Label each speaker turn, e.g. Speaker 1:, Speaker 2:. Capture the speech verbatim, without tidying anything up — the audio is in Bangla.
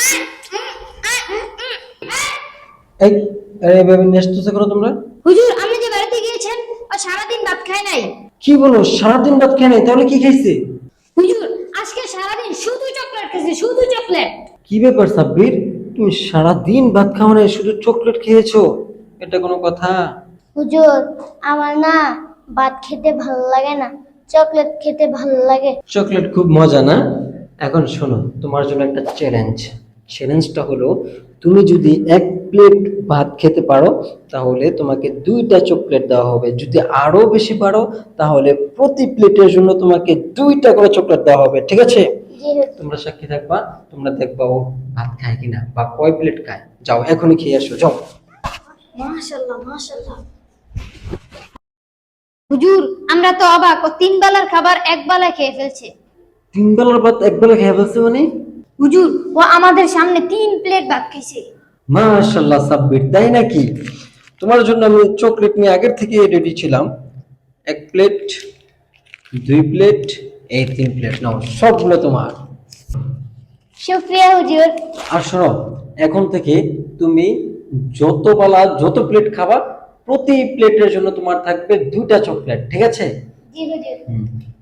Speaker 1: এই আরে এভাবে নেস্তুসে করো তোমরা।
Speaker 2: হুজুর আপনি যে বাড়িতে গিয়েছেন ও সারাদিন ভাত খায় নাই।
Speaker 1: কি বলো, সারাদিন ভাত খায় নাই? তাহলে কি খাইছে?
Speaker 2: হুজুর আজকে সারাদিন শুধু চকলেট খেয়েছে, শুধু চকলেট।
Speaker 1: কি ব্যাপার সাব্বির, তুমি সারাদিন ভাত খাও নাই, শুধু চকলেট খেয়েছো? এটা কোনো কথা?
Speaker 3: হুজুর আমার না ভাত খেতে ভালো লাগে না, চকলেট খেতে ভালো লাগে।
Speaker 1: চকলেট খুব মজা না? এখন শোনো, তোমার জন্য একটা চ্যালেঞ্জ। চ্যালেঞ্জটা হলো, তুমি যদি এক প্লেট ভাত খেতে পারো তাহলে তোমাকে দুইটা চকলেট দেওয়া হবে। যদি আরো বেশি পারো তাহলে প্রতি প্লেটের জন্য তোমাকে দুইটা করে চকলেট দেওয়া হবে, ঠিক আছে?
Speaker 3: জি হুজুর।
Speaker 1: তোমরা সাক্ষী থাকবা, তোমরা দেখবা ও ভাত খায় কিনা বা কয় প্লেট খায়। যাও এখনই খেয়ে আসো, যাও।
Speaker 3: মাশাআল্লাহ মাশাআল্লাহ।
Speaker 2: হুজুর আমরা তো অবাক, ও তিন বেলার খাবার এক বেলায় খেয়ে ফেলছে।
Speaker 1: তিন বেলার ভাত এক বেলা খেয়ে ফেলছে মানে?
Speaker 2: হুজুর ও আমাদের সামনে তিন প্লেট ভাত খাইছে।
Speaker 1: মাশাআল্লাহ সাব্বির, তাই নাকি? তোমার জন্য আমি চকলেট নিয়ে আগের থেকে রেডি ছিলাম। এক প্লেট, দুই প্লেট, এই তিন প্লেট নাও, সবগুলো তোমার।
Speaker 3: শুকরিয়া হুজুর।
Speaker 1: আর শোনো, এখন থেকে তুমি যত বেলা যত প্লেট খাবা প্রতি প্লেটের জন্য তোমার থাকবে দুইটা চকলেট, ঠিক আছে?
Speaker 3: জি হুজুর।
Speaker 1: হুম।